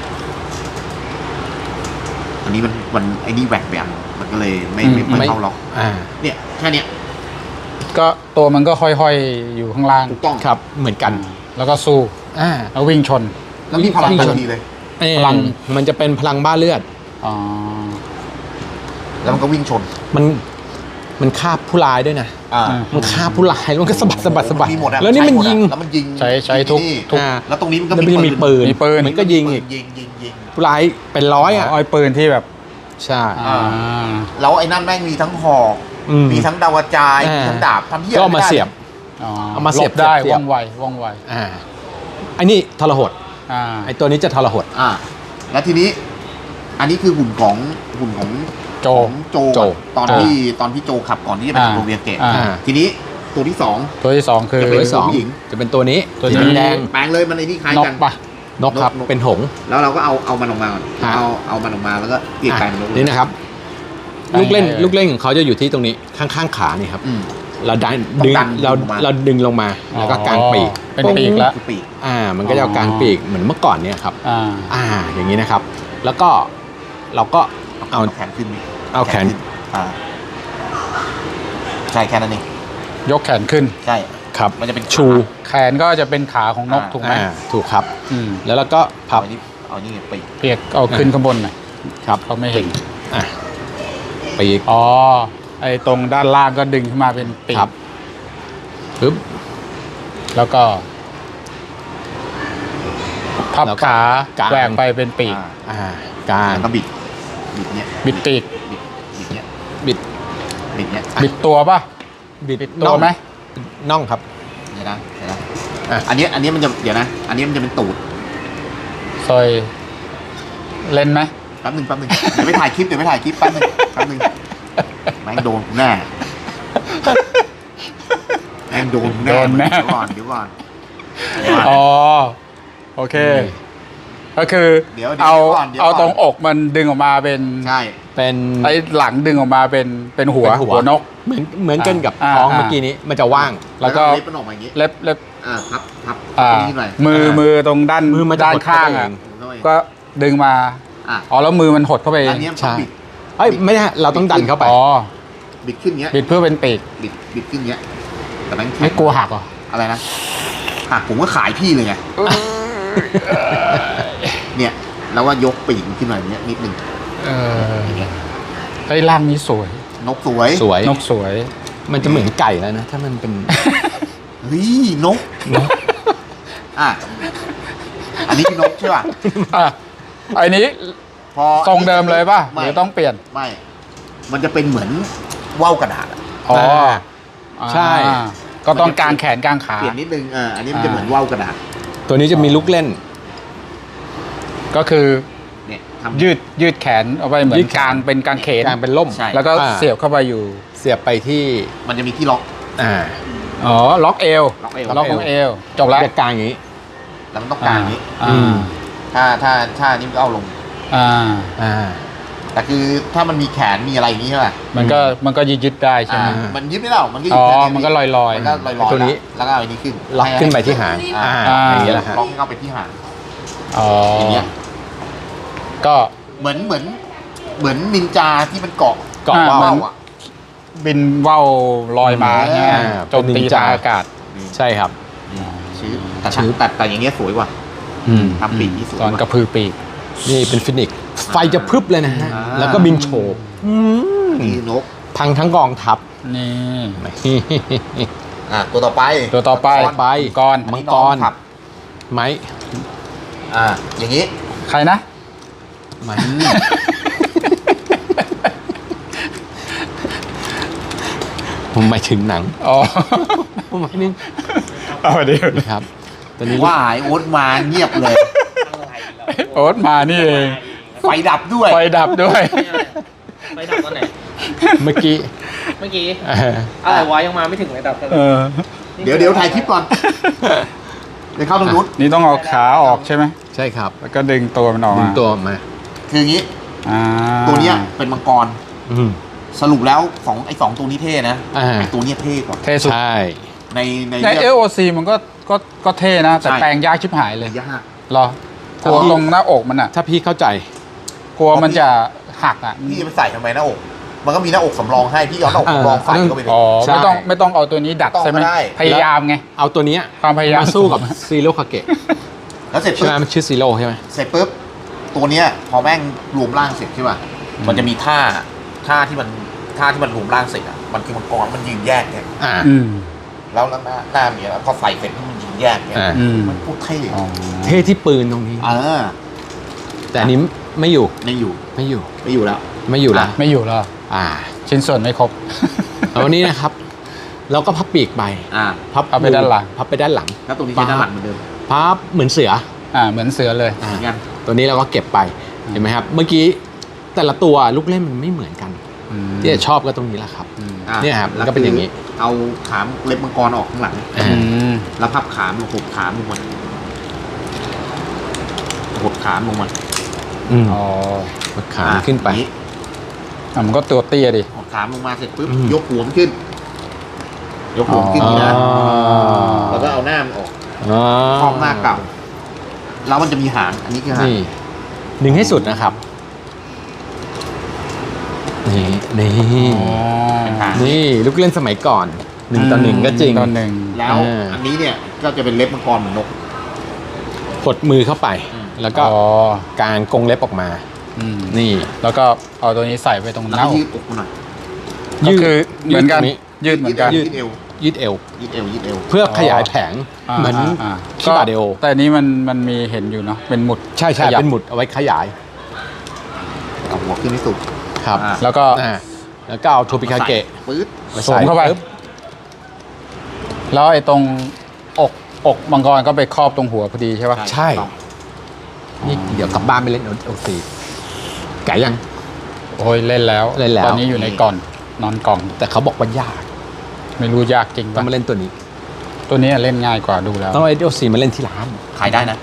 [SPEAKER 3] อันนี้มันไอ้นี่แหวกแบบมันก็เลยไม่
[SPEAKER 2] อืม
[SPEAKER 3] ไม่เข้าล็อก
[SPEAKER 1] อ่า
[SPEAKER 3] เนี่ยแค่เนี้ย
[SPEAKER 2] ก็ตัวมันก็ห้อยๆอยู่ข้างล่าง
[SPEAKER 3] ถูกต้อง
[SPEAKER 1] ครับเหมือนกัน
[SPEAKER 2] แล้วก็สู้
[SPEAKER 1] อ่า
[SPEAKER 2] แล้ววิ่งชน
[SPEAKER 3] แล้วมีพลัง
[SPEAKER 1] วิ่ง
[SPEAKER 3] ทั
[SPEAKER 1] ชน
[SPEAKER 3] นทีเลย
[SPEAKER 2] พลัง
[SPEAKER 1] มันจะเป็นพลังบ้าเลือด
[SPEAKER 2] อ๋อ
[SPEAKER 3] แล้วมันก็วิ่งชน
[SPEAKER 1] มันฆ่าผู้ร้ายด้วยนะ มันฆ่าผู้ร้ายแล้วมันก็สะบัด
[SPEAKER 3] มีหมดอะ
[SPEAKER 1] แล้วนี่มัน
[SPEAKER 3] ใช้หดอะ
[SPEAKER 1] ยิง
[SPEAKER 3] แล้วมันยิง
[SPEAKER 2] ใช้ทุก
[SPEAKER 3] นี่
[SPEAKER 2] ทุก
[SPEAKER 3] แล้วตรงนี้มันก็
[SPEAKER 1] แล้วมันจะมีปืน
[SPEAKER 2] มีปืน
[SPEAKER 1] มันก็ยิงอีก
[SPEAKER 3] ยิง
[SPEAKER 1] ผู้ร้ายเป็นร้อยอ่ะ
[SPEAKER 2] เอาไอ้ปืนที่แบบ
[SPEAKER 1] ใช่
[SPEAKER 2] อ่า
[SPEAKER 3] แล้วไอ้นั่นแม่งมีทั้งหอก
[SPEAKER 1] อืม
[SPEAKER 3] มีทั้งดาวกระจาย
[SPEAKER 1] อ่ามี
[SPEAKER 3] มีทั้งดาบทำที่
[SPEAKER 1] ก็เอามาเสียบ
[SPEAKER 2] อ๋อ
[SPEAKER 1] เอามาเสียบ
[SPEAKER 2] หลได้
[SPEAKER 1] เสียบ
[SPEAKER 2] ว่องไวว่องไว
[SPEAKER 1] อ่าไอ้นี่ทรหด
[SPEAKER 2] อ่า
[SPEAKER 1] ไอ้ตัวนี้จะทรหด
[SPEAKER 3] อ่าแล้วทีนี้อันนี้คือหุ่นของ
[SPEAKER 2] โจ
[SPEAKER 3] ของโจ
[SPEAKER 1] โจ
[SPEAKER 3] ตอนที่โจขับก่อนที่จะไป
[SPEAKER 2] อ่า
[SPEAKER 3] โรงเรียนเกะ
[SPEAKER 2] อ่า
[SPEAKER 3] ทีนี้ตัวที่สอง
[SPEAKER 2] ตัวที่สองคือ
[SPEAKER 3] จะ
[SPEAKER 1] ตัว
[SPEAKER 3] เป็น
[SPEAKER 1] ที่สอง
[SPEAKER 3] ผู้หญิง
[SPEAKER 1] จะเป็นตัวนี้
[SPEAKER 2] ตัวนี้
[SPEAKER 1] สีแดง
[SPEAKER 3] แปลงเลยมันไอ้นี่คล้าย
[SPEAKER 2] นก
[SPEAKER 3] กัน
[SPEAKER 2] ปะ
[SPEAKER 1] นกครับ
[SPEAKER 3] นก
[SPEAKER 1] เป็นหงส์
[SPEAKER 3] แล้วเราก็เอามันออกมาก่อน
[SPEAKER 1] ฮะ
[SPEAKER 3] เอามันออกมาแล้วก็เกลี่ยกลายเป็นนกเลย
[SPEAKER 1] นี่นะครับ
[SPEAKER 2] ไอ้
[SPEAKER 1] ลูกเล่น
[SPEAKER 2] ไอ้
[SPEAKER 1] ลูกเล่นของเขาจะอยู่ที่ตรงนี้ข้างๆขานี่ครับ
[SPEAKER 3] อืม
[SPEAKER 1] เราดัน
[SPEAKER 3] ต้อง
[SPEAKER 1] ดึง
[SPEAKER 3] ดัน
[SPEAKER 1] เรา
[SPEAKER 3] ลงมา
[SPEAKER 1] เราดึงลงมาแล้วก็กางปีก
[SPEAKER 2] เป็นปีกแล้ว
[SPEAKER 3] คือปีก
[SPEAKER 1] มันก็จะเอากางปีกเหมือนเมื่อก่อนเนี่ยครับ
[SPEAKER 2] อ่า
[SPEAKER 1] อย่างนี้นะครับ แล้วก็เราก็เอา
[SPEAKER 3] แขนขึ้นนี่
[SPEAKER 1] เอาแขน
[SPEAKER 3] ขึ้อ่าใช่แค่นั้นเอง
[SPEAKER 2] ยกแขนขึ้น
[SPEAKER 3] ใช่
[SPEAKER 1] ครับ
[SPEAKER 3] มันจะเป็น
[SPEAKER 1] ชู
[SPEAKER 2] แขนก็จะเป็นขาของนกถูกไหม
[SPEAKER 1] ถูกครับ
[SPEAKER 2] อืม
[SPEAKER 1] แล้วเราก็พับ
[SPEAKER 3] เอานี่ปีก
[SPEAKER 2] เปียกเอาขึ้นข้างบนหน่อย
[SPEAKER 1] ครับ
[SPEAKER 2] เขาไม่เห็น
[SPEAKER 1] อ่ะปีก
[SPEAKER 2] อ๋อ ไอ้ตรงด้านล่างก็ดึงขึ้นมาเป็นปีก
[SPEAKER 1] ครับปึ๊บ
[SPEAKER 2] แล้วก็พับ
[SPEAKER 1] แล้วก็
[SPEAKER 2] ขาก
[SPEAKER 1] าง
[SPEAKER 2] แหวกไปเป็นปีก
[SPEAKER 1] กาง
[SPEAKER 3] แล้วก็บิดเนี้ย
[SPEAKER 2] บิดปีก
[SPEAKER 3] บิดเนี้ย
[SPEAKER 1] บิด
[SPEAKER 3] บิดเนี้ย
[SPEAKER 2] บิดตัวปะ
[SPEAKER 1] บิด
[SPEAKER 2] ตัวไหม
[SPEAKER 1] น่องครับ
[SPEAKER 3] เดี๋ยวนะเดี๋ยวนะ
[SPEAKER 1] อ่ะ
[SPEAKER 3] อันเนี้ยมันจะเดี๋ยวนะ อันนี้มันจะเป็นตูด
[SPEAKER 2] ซอยเล่นไหม
[SPEAKER 3] แป๊บหนึงเดี๋ยวไปถ่ายคลิปแป๊บหนึงแม่งโดนกูแน่แม่งโดนกูแน่
[SPEAKER 2] โดนแน่
[SPEAKER 3] เดี๋ยวก่อน
[SPEAKER 2] อ๋อ โอเค ก็คือ
[SPEAKER 3] เดี๋ยว
[SPEAKER 2] เอา
[SPEAKER 3] ก่อนเดี๋ยวก่อน
[SPEAKER 2] เอาตรงอกมันดึงออกมาเป็น
[SPEAKER 3] ใช่
[SPEAKER 1] เป็น
[SPEAKER 2] ไอ้หลังดึงออกมาเป็นหัว
[SPEAKER 1] เป็นหัว
[SPEAKER 2] หัวนก
[SPEAKER 1] เหมือนกันกับ
[SPEAKER 2] อ่า
[SPEAKER 1] ท้อง
[SPEAKER 2] อ่า
[SPEAKER 1] เมื่อกี้นี้มันจะว่าง
[SPEAKER 2] แล้วก็
[SPEAKER 3] เล็บมันออกมาอย่างงี้
[SPEAKER 2] เล็บ
[SPEAKER 3] พับ
[SPEAKER 2] อ่า
[SPEAKER 3] ตรงนี้หน่อย
[SPEAKER 2] มือตรงด้าน
[SPEAKER 1] มือมันจะ
[SPEAKER 2] ด้าน
[SPEAKER 1] หดเข้า
[SPEAKER 2] ข้าง
[SPEAKER 1] ไป
[SPEAKER 2] อ่ะ
[SPEAKER 1] เอง
[SPEAKER 2] ก็ดึงมา
[SPEAKER 3] อ่ะ
[SPEAKER 2] อ๋อแล้วมือมันหดเข้าไปเอ
[SPEAKER 3] อั
[SPEAKER 2] ง
[SPEAKER 3] นเนี้ยมัน
[SPEAKER 1] ใช่
[SPEAKER 3] บิด
[SPEAKER 1] เอ้ยไม่ได้เราต้องดันเข้าไป
[SPEAKER 2] อ๋อ
[SPEAKER 3] บิดขึ้นเงี้ย
[SPEAKER 2] บิดเพื่อเป็นปีก
[SPEAKER 3] บิดขึ้นเงี้ยแต่แม่งแข็ง
[SPEAKER 2] ไม่กลัวหักเหรอ
[SPEAKER 3] อะไรนะหักผมก็ขายพี่เลยไงเนี่ยแล้วว่ายกปีกมันขึ้นมาอย่างเงี้ยนิดนึง
[SPEAKER 2] เออไอ้ยร่างนี้สวย
[SPEAKER 3] นกสวย
[SPEAKER 1] สวย
[SPEAKER 2] นกสวย
[SPEAKER 1] มันจะเหมือนไก่แล้วนะ ถ้ามันเป็น
[SPEAKER 3] เฮ้ยนกอ่ะอันนี้คือนกใช่ป่ะ
[SPEAKER 2] อ่ะไอ้นี้
[SPEAKER 3] พอ
[SPEAKER 2] ทรงเดิมเลยป่ะห
[SPEAKER 3] ไม่
[SPEAKER 2] รือต้องเปลี่ยน
[SPEAKER 3] ไม่ มันจะเป็นเหมือนว่าวกระดาษอะ
[SPEAKER 2] อ๋อ
[SPEAKER 1] ใช่
[SPEAKER 2] อ่าก็ต้องกางแขนกางขา
[SPEAKER 3] เปลี่ยนนิดนึงอันนี้มันจะเหมือนว่าวกระดาษ
[SPEAKER 1] ตัวนี้จะมีลูกเล่น
[SPEAKER 2] ก็คือ
[SPEAKER 3] เนี่ยทำ
[SPEAKER 2] ยืดแขนเอาไปเหมือ
[SPEAKER 1] ยื
[SPEAKER 2] น
[SPEAKER 1] ดแขน
[SPEAKER 2] กางเป็นกางเขน
[SPEAKER 1] กลางเป็นล่ม
[SPEAKER 3] ใช่
[SPEAKER 2] แล้วก็
[SPEAKER 1] อ่า
[SPEAKER 2] เสียบเข้าไปอยู่
[SPEAKER 1] เสียบไปที่
[SPEAKER 3] มันจะมีที่ล็อก
[SPEAKER 1] อ่า
[SPEAKER 2] อ๋อ ล็อกเอว
[SPEAKER 3] ล็อกเอว
[SPEAKER 2] ล็อกของเอว จบแล้ว
[SPEAKER 1] จะกลางอย่างนี้
[SPEAKER 3] แล้วมันต้องกางอย่างนี้
[SPEAKER 2] อ่า
[SPEAKER 3] ถ้านี่มันก็เอาลง
[SPEAKER 2] อ่า
[SPEAKER 1] อ่า
[SPEAKER 3] แต่คือถ้ามันมีแขนมีอะไรอย่างนี้ใช่ป่ะ
[SPEAKER 2] มันก็ยืดได้ใช่ไหม
[SPEAKER 3] มันยึดไม่ได้หรอกมันก็อ
[SPEAKER 2] อ๋
[SPEAKER 3] ยู่
[SPEAKER 2] อ
[SPEAKER 3] แค่
[SPEAKER 2] มันก็ลอย
[SPEAKER 3] มันก็ลอยๆ
[SPEAKER 1] ตัวนี้
[SPEAKER 3] แล้วก็เอาอันนี้ขึ้น
[SPEAKER 1] ล็อกขึ้นไปที่หาง
[SPEAKER 3] อ่า
[SPEAKER 1] อย่างนี้แหละฮะ
[SPEAKER 3] ล็อกเข้าไปที่หาง
[SPEAKER 2] ๆอ๋อ
[SPEAKER 3] อ
[SPEAKER 2] อย่าง
[SPEAKER 3] เงี้ย
[SPEAKER 2] ก็
[SPEAKER 3] เหมือนนินจาที่มันเกาะ
[SPEAKER 1] เกาะ
[SPEAKER 2] อ่า
[SPEAKER 1] ว่าว
[SPEAKER 3] ว่าวอ่ะ
[SPEAKER 2] บินว่าวลอยมาใช่ไหม
[SPEAKER 1] อ่า
[SPEAKER 2] โจมตี
[SPEAKER 1] เป็นนินจา
[SPEAKER 2] ทางอากาศ
[SPEAKER 1] ใช่ครับ
[SPEAKER 3] ชื่อแต่
[SPEAKER 1] ชื่อ
[SPEAKER 3] แต่อย่างเงี้ยสวยกว่า
[SPEAKER 1] อืม
[SPEAKER 3] ทำปีกที่สวย
[SPEAKER 2] ตอน
[SPEAKER 3] ก
[SPEAKER 2] กระ
[SPEAKER 3] ว่า
[SPEAKER 2] พือปีก
[SPEAKER 1] นี่เป็นฟินิกซ์ไฟจะพรึบเลยนะฮะ
[SPEAKER 3] อ่า
[SPEAKER 1] แล้วก็บินโฉบ
[SPEAKER 3] นี่นก
[SPEAKER 1] พังทั้งกองทัพ
[SPEAKER 2] นี่
[SPEAKER 3] ตัวต่อไป
[SPEAKER 2] ตัวต่อไป
[SPEAKER 1] ไป
[SPEAKER 2] กร
[SPEAKER 1] มังกร
[SPEAKER 3] ขับ
[SPEAKER 1] ไม้
[SPEAKER 3] อย่างนี้
[SPEAKER 2] ใครนะ
[SPEAKER 1] ไม้ผมหมายถึงหนัง
[SPEAKER 2] อ๋อ
[SPEAKER 1] ผมหมายถึง
[SPEAKER 2] เอาเดี๋ยว
[SPEAKER 1] ครับตัวนี้
[SPEAKER 3] ว่าไอ้โอ๊ตมาเงียบเลย
[SPEAKER 2] โอ๊ตมานี่เอง
[SPEAKER 3] ไฟดับด้วย
[SPEAKER 2] ไฟดับด้วย
[SPEAKER 4] ไปดับตอนไหน
[SPEAKER 1] เมื่อกี้
[SPEAKER 4] เมื่อกี้
[SPEAKER 1] เออ
[SPEAKER 4] อะไรวะยังมาไม่ถึงเลยดับเลย
[SPEAKER 2] เออ
[SPEAKER 3] เดี๋ยวถ่ายคลิปก่อน เดี๋ยวเข้าตรงนู้น
[SPEAKER 2] นี่ต้องเอาขาออกใช่ไหม
[SPEAKER 1] ใช่ครับ
[SPEAKER 2] แล้วก็ดึงตัวมันออก
[SPEAKER 1] ดึ
[SPEAKER 2] มาง
[SPEAKER 1] ตัวออกมา
[SPEAKER 3] คืออย่างนี้
[SPEAKER 2] อ่า
[SPEAKER 3] ตัวเนี้ยเป็นมังกร
[SPEAKER 1] อืม
[SPEAKER 3] สรุปแล้วไอ้สองตัวนี้เท่นะ
[SPEAKER 1] อ่า
[SPEAKER 3] ไอ้ตัวเนี้ยเท่กว่า
[SPEAKER 2] เท่สุด
[SPEAKER 1] ใช่
[SPEAKER 3] ใน
[SPEAKER 2] ใน
[SPEAKER 3] เรื่อง
[SPEAKER 2] LOC มันก็เท่นะ แต่
[SPEAKER 3] ใช่
[SPEAKER 2] แปลงยากชิบหายเลย
[SPEAKER 3] ยาก
[SPEAKER 2] เหรอ
[SPEAKER 1] ถ้า
[SPEAKER 2] กลัว
[SPEAKER 1] พี่
[SPEAKER 2] ตรงหน้าอกมันอ่ะ
[SPEAKER 1] ถ้าพี่เข้าใจ
[SPEAKER 2] กลัวมันจะหักอ่ะ
[SPEAKER 3] พี่จะไปใส่ทำไมหน้าอก มันก็มีหน้าอกสำรองให้พี่เอาหน้าอกสำรองใส่เข้าไปเลย
[SPEAKER 2] อ๋อ
[SPEAKER 1] ใช่
[SPEAKER 2] ไม่ต้องเอาตัวนี้ดัด
[SPEAKER 3] ต้อง
[SPEAKER 2] ใช่ไหม
[SPEAKER 3] ก็ได้
[SPEAKER 2] พยายามไง
[SPEAKER 1] เอาตัวเนี้ย
[SPEAKER 2] ความพยายาม
[SPEAKER 1] มาสู้กับซีโร่คาเกะ
[SPEAKER 3] แล้วเสร็จ
[SPEAKER 1] ใช่
[SPEAKER 3] ปุ๊
[SPEAKER 1] ไหม
[SPEAKER 3] บ
[SPEAKER 1] มันชื่อซีโร่ใช่ไหม
[SPEAKER 3] เสร็จปุ๊บตัวเนี้ยพอแม่งรวมร่างเสร็จใช่ป่ะมันจะมีท่าที่มันรวมร่างเสร็จอ่ะมันคือมังกรมันยืนแยกเนี่ย
[SPEAKER 1] อ่า
[SPEAKER 2] อืม
[SPEAKER 3] แล้วหน้ามีแล้วพอใส่เสร็จมันยืนแยกเนี่ย
[SPEAKER 1] อ่า
[SPEAKER 2] อืม
[SPEAKER 3] มันพูดเท่
[SPEAKER 2] อ๋อ
[SPEAKER 1] เท่ที่ปืนตรงนี้
[SPEAKER 3] เออ
[SPEAKER 1] แต่อันนี้ไม่อยู่
[SPEAKER 3] ไม่อยู่
[SPEAKER 1] ไม่อยู่
[SPEAKER 3] ไม่อยู่แล้ว
[SPEAKER 1] ไม่อยู่แล้ว
[SPEAKER 2] ไม่อยู่แล้ว ชิ้นส่วนไม่ครบ
[SPEAKER 1] แล้ววันนี้นะครับ เราก็พับปีกไป
[SPEAKER 2] พับไปด้านหลัง
[SPEAKER 1] พับไปด้านหลัง
[SPEAKER 3] แล้วตรงนี้ใช้ด้านหลังเหมือนเดิม
[SPEAKER 1] พับเหมือนเสือ
[SPEAKER 2] เหมือนเสือเลย
[SPEAKER 3] เหมือนกัน
[SPEAKER 1] ตัวนี้เราก็เก็บไปเห็นไหมครับ เมื่อกี้แต่ละตัวลูกเล่นมันไม่เหมือนกัน ที่จะชอบก็ตรงนี้แหละครับ เนี่ยครับมันก็เป็นอย่างนี้
[SPEAKER 3] เอาขามเล็บมังกรออกข้างหลัง แล้วพับขามลงหดขามลงมาหดขามลงมา
[SPEAKER 2] อ๋อ
[SPEAKER 1] กดขาขึ้นไป
[SPEAKER 3] อย่างนี้
[SPEAKER 2] มันก็ตัวเตี้ยดิ
[SPEAKER 3] หดขามลงมาเสร็จปุ๊บยกหัวมันขึ้น ยกหัวมันขึ้นนี่นะแล้วก็เอาหน้ามันออกครอบหน้าเก่าแล้วมันจะมีหางอันนี้คือหาง
[SPEAKER 1] นี่ดึงให้สุดนะครับ นี่นี่
[SPEAKER 3] เป็นหาง
[SPEAKER 1] นี่ลูกเล่นสมัยก่อน1 ต่อ 1ก็จริง
[SPEAKER 2] 1 ต่อ 1
[SPEAKER 3] แล้วอันนี้เนี่ยก็จะเป็นเล็บมังกรเหมือนนก
[SPEAKER 1] กดมือเข้าไป แล้วก็
[SPEAKER 2] อ๋อก
[SPEAKER 1] างกรงเล็บออกมา นี่
[SPEAKER 2] แล้วก็เอาตัวนี้ใส่ไปตรงห
[SPEAKER 3] แล้ว
[SPEAKER 2] น้า
[SPEAKER 3] ก็
[SPEAKER 2] อก
[SPEAKER 3] ยืดอกมาหน่อย
[SPEAKER 2] ก็คือเหมือนกัน
[SPEAKER 1] ยืดตรงนี้
[SPEAKER 2] ยืดเหมือนกัน
[SPEAKER 3] ยืดเอว
[SPEAKER 1] ยืดเอว
[SPEAKER 3] ยืดเอวยืดเอว
[SPEAKER 1] เพื่อขยายแผงเหมือน ชิบาเดโอ
[SPEAKER 2] แต่อันนี้มันมีเห็นอยู่เนาะเป็นหมุด
[SPEAKER 1] ใช่ใช่
[SPEAKER 2] ขยับ
[SPEAKER 1] เป็นหมุดเอาไว้ขยาย
[SPEAKER 3] เอาหัวขึ้นให้สุด
[SPEAKER 1] ครับ
[SPEAKER 2] แล้วก็
[SPEAKER 1] แล้วก็เอาโทปิคาเกะ
[SPEAKER 3] ปื๊ด
[SPEAKER 1] มา
[SPEAKER 2] สว
[SPEAKER 1] ใส่
[SPEAKER 2] มเข้าไป
[SPEAKER 1] ปุ๊บ
[SPEAKER 2] แล้วไอ้ตรงอกมังกรก็ไปครอบตรงหัวพอดีใช่ป่ะ
[SPEAKER 1] ใช่ นี่เดี๋ยวกลับบ้านไปเล่นโอซีไก่ยัง
[SPEAKER 2] โอ้ยเล่นแล้ว
[SPEAKER 1] เล่นแล้ว
[SPEAKER 2] ตอนนี้อยู่ในกล่องนอนกล่อง
[SPEAKER 1] แต่เขาบอกว่ายาก
[SPEAKER 2] ไม่รู้ยากจริง
[SPEAKER 1] ต้อ
[SPEAKER 2] ป่ะ
[SPEAKER 1] งมาเล่นตัวนี้
[SPEAKER 2] ตัวนี้เล่นง่ายกว่าดูแล้ว
[SPEAKER 1] ต้องเอาโอซีมาเล่นที่ร้าน
[SPEAKER 3] ขายได้นะ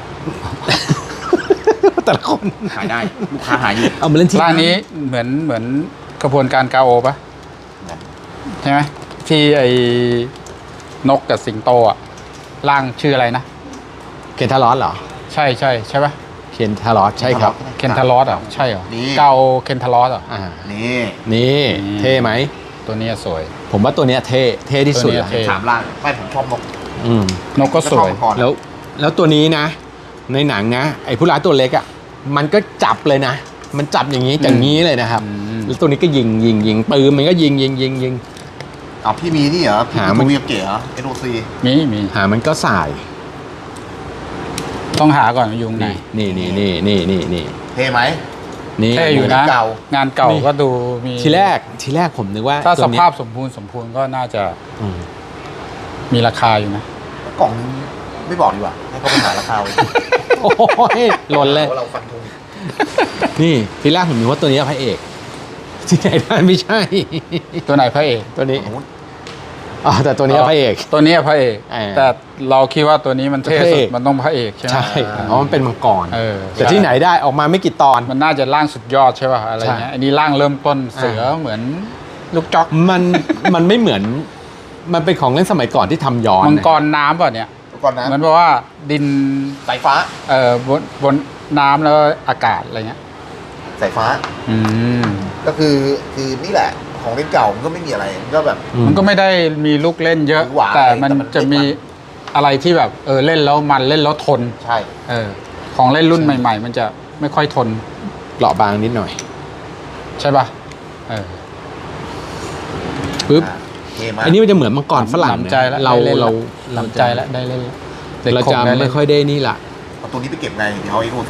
[SPEAKER 1] แต่ละคน
[SPEAKER 3] ขายได้ลูกค้าหายอยู่
[SPEAKER 1] เอามาเล่นที่
[SPEAKER 2] ร้านนี้เหมือนกระบวนการกาโอป่ะใช่ไหมที่ไอ้นกกับสิงโตอ่ะร่างชื่ออะไรนะ
[SPEAKER 1] เคนทารอสเหรอ
[SPEAKER 2] ใช่ป่ะ
[SPEAKER 1] เคนทารอสใช่ครับ
[SPEAKER 2] เคนทารอสอ่ะใช่เหรอ
[SPEAKER 3] นี่
[SPEAKER 2] เกาเคนทารอสอ่ะ
[SPEAKER 3] นี่
[SPEAKER 1] นี่เท่ไหม
[SPEAKER 2] ตัวนี้สวย
[SPEAKER 1] ผมว่าตัวเนี้ยเท่ที่สุด
[SPEAKER 2] ตัวเนี้ย
[SPEAKER 1] ละ
[SPEAKER 2] เท่
[SPEAKER 3] ถามล่างไม่ผมชอบนก
[SPEAKER 1] อืม
[SPEAKER 2] นกก็สวย
[SPEAKER 3] ชอบมังกร
[SPEAKER 1] แล้วตัวนี้นะ ในหนังนะไอ้ผู้ร้ายตัวเล็กอ่ะมันก็จับเลยนะ มันจับอย่างนี้อย่างนี้เลยนะครับ แล้วตัวนี้ก็ยิงปืนมันก็ยิง
[SPEAKER 3] เอาพี่มีนี่เหรอพี่
[SPEAKER 1] หา
[SPEAKER 3] มี
[SPEAKER 1] มัน
[SPEAKER 3] ทูวิเกะเหรอ NOC
[SPEAKER 2] มี
[SPEAKER 1] หามันก็สาย
[SPEAKER 2] ต้องหาก่อนว่าอยู่ตรงไหน
[SPEAKER 1] นี่
[SPEAKER 3] เท่ไหม
[SPEAKER 1] นี่
[SPEAKER 2] เท่อยู่นะ
[SPEAKER 3] เก่า
[SPEAKER 2] งานเก่าก็ดูมี
[SPEAKER 1] ทีแรกผมนึกว่า
[SPEAKER 2] ถ้า
[SPEAKER 1] ตั
[SPEAKER 2] ส
[SPEAKER 1] วเนี้ย
[SPEAKER 2] ภาพสมบูรณ์ก็น่าจะ
[SPEAKER 1] อืม
[SPEAKER 2] มีราคาอยู่นะ
[SPEAKER 3] กล่องนึงไม่บอกดีกว่า ให้เขาไปหาราคาเอา
[SPEAKER 1] โอ้ยหล่นเลย
[SPEAKER 3] ว่าเราฟันธง
[SPEAKER 1] นี่ทีแรกผมนึกว่าตัวนี้พระเอกที่ไหนได้ไม่ใช่
[SPEAKER 2] ตัวไหนพระเอก
[SPEAKER 1] ตัวนี้
[SPEAKER 3] ฝั่งนู้น
[SPEAKER 1] อ๋อแต่ตัวนี้พระเอก
[SPEAKER 2] ตัวนี้พระเอก
[SPEAKER 1] อ่า
[SPEAKER 2] แต่เราคิดว่าตัวนี้มันเท่
[SPEAKER 1] พระ
[SPEAKER 2] สุ
[SPEAKER 1] เอ
[SPEAKER 2] ด
[SPEAKER 1] ก
[SPEAKER 2] มันต้องพระเอกใช่ไหม
[SPEAKER 1] ใช่เพราะมันเป็นมังกร แต่ที่ไหนได้ออกมาไม่กี่ตอน
[SPEAKER 2] มันน่าจะร่างสุดยอดใช่ป่ะอะไรเงี้ย
[SPEAKER 1] ใช่
[SPEAKER 2] อันนี้ร่างเริ่มต้นเสือเหมือนลูกจ๊อก
[SPEAKER 1] มันไม่เหมือน มันเป็นของเล่นสมัยก่อนที่ทำย้อน
[SPEAKER 2] มังกรน้ำป่ะเนี่ย
[SPEAKER 3] ก่อนนะ
[SPEAKER 2] เหมือนว่าดิน
[SPEAKER 3] สายฟ้า
[SPEAKER 2] บนน้ำแล้วอากาศอะไรเงี้ย
[SPEAKER 3] สายฟ้า
[SPEAKER 2] อืม
[SPEAKER 3] ก็คือนี่แหละ ของเล่นเก่ามันก็ไม่มีอะไร มันก็แบบ
[SPEAKER 2] มันก็ไม่ได้มีลูกเล่นเยอะ
[SPEAKER 3] หรือหวา
[SPEAKER 2] แต่มัน
[SPEAKER 3] แต่มัน
[SPEAKER 2] จะมี
[SPEAKER 3] เล่นมัน
[SPEAKER 2] อะไรที่แบบเล่นแล้วมันเล่นแล้วทน
[SPEAKER 3] ใช่
[SPEAKER 2] ของเล่นรุ่นใหม่ ๆ มันจะไม่ค่อยทน
[SPEAKER 1] เปราะบางนิดหน่อย
[SPEAKER 2] ใช่ป่ะ
[SPEAKER 1] ปึ๊บ
[SPEAKER 3] เท่มาก
[SPEAKER 1] อันนี้มันจะเหมือนมังกรฝรั่ง
[SPEAKER 2] หนำใจแล้ว
[SPEAKER 1] เรา
[SPEAKER 2] ได้เล่น
[SPEAKER 1] เรา
[SPEAKER 2] หนำใจแล้วได้เล่นแล้วเด็ก
[SPEAKER 1] เรา
[SPEAKER 2] คง
[SPEAKER 1] จะ
[SPEAKER 2] ได้เล่น
[SPEAKER 1] ไม่ค่อยได้นี่ละ
[SPEAKER 3] เอาตัวนี้ไปเก็บไงเดี๋ยวเอา NOC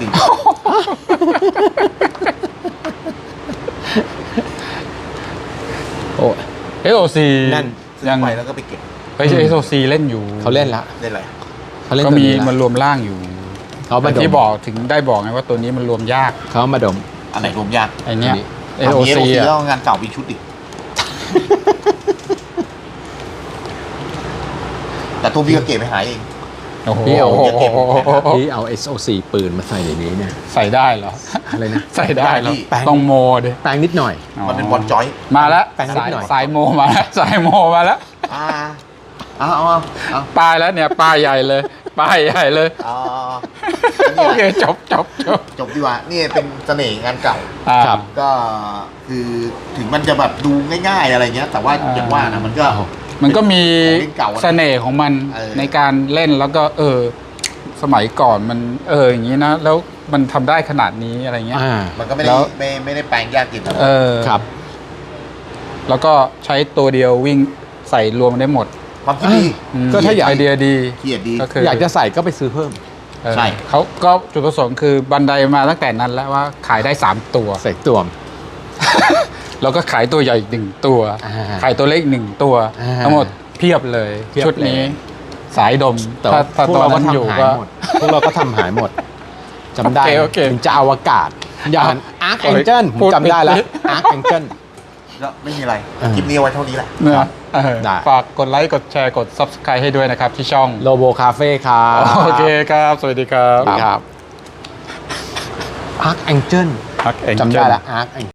[SPEAKER 1] โอ้
[SPEAKER 2] SOC
[SPEAKER 1] นั่น
[SPEAKER 3] ซื้อ
[SPEAKER 2] ยัง
[SPEAKER 3] ไปแล้วก็ไปเก็บ
[SPEAKER 2] เฮ้ย SOC เล่นอยู่
[SPEAKER 1] เขาเล่นละ
[SPEAKER 3] ได้อะไร
[SPEAKER 1] เขาเล่น
[SPEAKER 2] ก็
[SPEAKER 1] ตัว
[SPEAKER 2] มี
[SPEAKER 1] นี้
[SPEAKER 2] มัน
[SPEAKER 1] ละ
[SPEAKER 2] รวมร่างอยู่
[SPEAKER 1] เขามา
[SPEAKER 2] แต่
[SPEAKER 1] ด
[SPEAKER 2] ที่
[SPEAKER 1] ม
[SPEAKER 2] บอกถึงได้บอกไงว่าตัวนี้มันรวมยาก
[SPEAKER 1] เขามาดม
[SPEAKER 3] อันไหนรวมยาก
[SPEAKER 2] ไอเนี้ย
[SPEAKER 3] เอา
[SPEAKER 2] SOC
[SPEAKER 3] แล้ว
[SPEAKER 2] อ่ะ
[SPEAKER 3] งานเก่ามีชุดดิแต่ตัวพี่ก็เก็บไปหายเอง
[SPEAKER 2] โอ้โห
[SPEAKER 1] พี่เอา
[SPEAKER 3] เก็บ
[SPEAKER 1] ที่เอา SOC ปืนมาใส่ในนี้เนี่ย
[SPEAKER 2] ใส่ได้เหรอ
[SPEAKER 1] อะไรนะ
[SPEAKER 2] ใส่ได้เหรอ
[SPEAKER 1] แปลง
[SPEAKER 2] ต้องโมดิ
[SPEAKER 1] แปลงนิดหน่อย
[SPEAKER 3] มันเป็นบอลจอย
[SPEAKER 2] มาแล้ว
[SPEAKER 1] แปลงนิด
[SPEAKER 2] สาย
[SPEAKER 1] หน่อย
[SPEAKER 2] สายโมมาแล้วสายโมมาแล้ว
[SPEAKER 3] เอา
[SPEAKER 2] ป้ายแล้วเนี่ยป้ายใหญ่เลยป้ายใหญ่เลย โอเคจบ
[SPEAKER 3] จบดีกว่านี่เป็นเสน่ห์งานเก่า
[SPEAKER 1] ครับ
[SPEAKER 3] ก็คือถึงมันจะแบบดูง่ายๆอะไรเงี้ย แต่ว่าอย่างว่านะมันก็
[SPEAKER 2] มันก็มี
[SPEAKER 3] ของเล่นเก่าอะ
[SPEAKER 2] เสน่ห์ของมัน ในการเล่นแล้วก็สมัยก่อนมันอย่างนี้นะแล้วมันทำได้ขนาดนี้อะไรเงี้ย
[SPEAKER 3] มันก็ไม่
[SPEAKER 2] แล้
[SPEAKER 3] ได้
[SPEAKER 2] ว
[SPEAKER 3] ไม่ได้แปลงยากกินอะไร
[SPEAKER 1] ครับ
[SPEAKER 2] แล้วก็ใช้ตัวเดียววิ่งใส่รวมได้หมด
[SPEAKER 3] ความคิดดี
[SPEAKER 1] ก็ถ้าอยาก
[SPEAKER 2] ไอเดียดี
[SPEAKER 3] เขียดดี
[SPEAKER 2] ก็คือ
[SPEAKER 1] อยากจะใส่ก็ไปซื้อเพิ่ม
[SPEAKER 3] ใช่
[SPEAKER 2] เขาก็จุดประสงค์คือบันไดมาตั้งแต่นั้นแล้วว่าขายได้3ตัว
[SPEAKER 1] ใส่ตวม
[SPEAKER 2] แล้วก็ขายตัวใหญ่อีก1 ตัว ขายตัวเล็ก1 ตัว ทั้งหมดเพียบเลย
[SPEAKER 1] เพียบ
[SPEAKER 2] ชุดนี้
[SPEAKER 1] เลย
[SPEAKER 2] สายดม
[SPEAKER 1] แต่
[SPEAKER 2] ถ้า
[SPEAKER 1] พวก
[SPEAKER 2] ตัว
[SPEAKER 1] เราก็
[SPEAKER 2] นั้นอยู่
[SPEAKER 1] ทำหาย
[SPEAKER 2] ก็
[SPEAKER 1] หมด พวกเราก็ทำหายหมดจำได้
[SPEAKER 2] โอเค
[SPEAKER 1] ถึงจะอวกาศ อย่างอาร์คแองเจิลผมจำได้แล้วอาร์คแองเจิล
[SPEAKER 3] ก็ไม่มีอะไร
[SPEAKER 1] อ่า
[SPEAKER 3] คลิปนี้เอาไว้เท่านี้แหละ
[SPEAKER 2] นะเออ
[SPEAKER 1] ได้
[SPEAKER 2] ฝากกดไลค์ กดแชร์ กด Subscribe ให้ด้วยนะครับ ที่ช่อง
[SPEAKER 1] โลโบคาเฟ่ครับ
[SPEAKER 2] โอเคครับ สวัสดีครับ
[SPEAKER 1] ครับอาร์คแองเจิล
[SPEAKER 2] พักเอง
[SPEAKER 1] จำได้แล้วอาร์ค